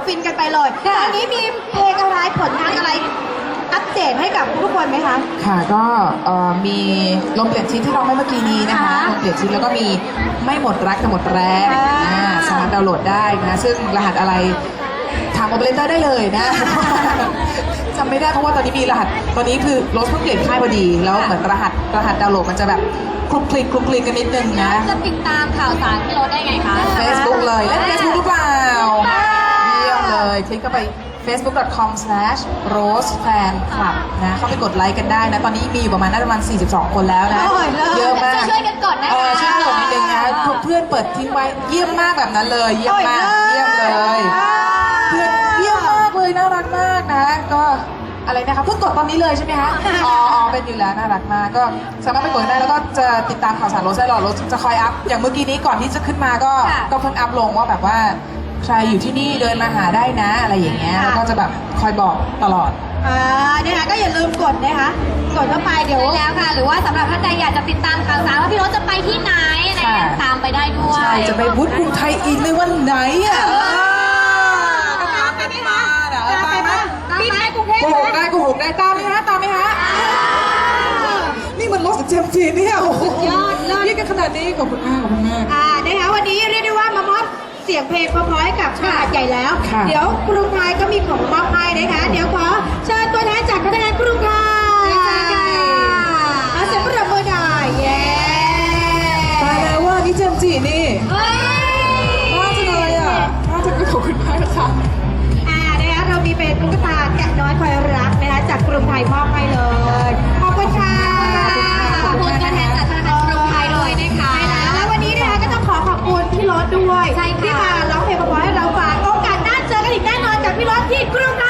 ฟินกันไปเลยตอนนี้มีเพลงอะไรผลงานอะไรอัปเดตให้กับทุกคนไหมคะค่ะก็มีลมเปลี่ยนทิศที่ร้องไปเมื่อกี้นี้นะคะลมเปลี่ยนทิศแล้วก็มีไม่หมดรักแต่หมดแรงสามารถดาวน์โหลดได้นะซึ่งรหัสอะไรถามโอเปอเรเตอร์ได้เลยนะจำไม่ได้เพราะว่าตอนนี้มีรหัสตอนนี้คือรถเพิ่งเปลี่ยนค่ายพอดีแล้วเหมือนรหัสดาวน์โหลดมันจะแบบคลุกคลิกกันนิดนึงนะจะติดตามข่าวสารพี่รถได้ไงคะ Facebook เลยเล่น Facebook หรือเปล่าเยี่ยมเลยคลิกเข้าไป facebook.com/rosefan club นะเข้าไปกดไลค์กันได้นะตอนนี้มีอยู่ประมาณน่าจะประมาณ42 คนแล้วนะเยอะมากช่วยกันกดนะคะช่วยกดนิดนึงนะเพื่อนเปิดทิ้งไว้เยี่ยมมากแบบนั้นเลยเยี่ยมมากเยี่ยมเลยเพื่อนเยี่ยมมากเลยน่ารักมากนะก็อะไรนะคะเพิ่งกดตอนนี้เลยใช่ไหมคะอ๋อเป็นอยู่แล้วน่ารักมากก็สามารถไปกดได้แล้วก็จะติดตามข่าวสารรถได้หรอรถจะคอยอัพอย่างเมื่อกี้นี้ก่อนที่จะขึ้นมาก็เพิ่งอัพลงว่าแบบว่าใครอยู่ที่นี่เดินมาหาได้นะอะไรอย่างเงี้ยแล้วก็จะแบบคอยบอกตลอดนะคะก็อย่าลืมกดนะคะกดเข้าไปเดี๋ยวแล้วค่ะหรือว่าสำหรับท่านใดอยากจะติดตามข่าวสารว่าพี่รถจะไปที่ไหนนะคะตามไปได้ด้วยใช่จะไปบูธกรุงไทยอีกในวันไหนอ่ะตามกันมาตามไหมบินไปกรุงเทพโกหกได้ตามไหมฮะนี่มันรถกับเจมส์จีเนี่ยโอ้โหยอดเรียกกันขนาดนี้ขอบคุณมากนะคะวันนี้เรียกได้ว่ามามอบเสียงเพลงเพราะๆให้กับชาติใหญ่แล้วเดี๋ยวกรุงไทยก็มีของมอบให้นะคะเดี๋ยวขอเชิญตัวแทนจากธนาคารกรุงไทยเสียงปรบมือหน่อยเย้ตายแล้วว่านี่เจมส์จีนี่น่าจะเลยอ่ะน่าจะขอบคุณมากค่ะนะคะเรามีเป็นตุ๊กตาแกะน้อยคอยรักนะคะจากกรุงไทยมอบให้เลยขอบคุณค่ะขอบคุณตัวแทนจากธนาคารกรุงไทยด้วยนะคะแล้ววันนี้นะคะก็ต้องขอบคุณพี่รถด้วยที่มาร้องเพลงเพราะๆให้เราฟังโอกาสหน้าเจอกันอีกแน่นอนจากพี่รถที่กรุงไท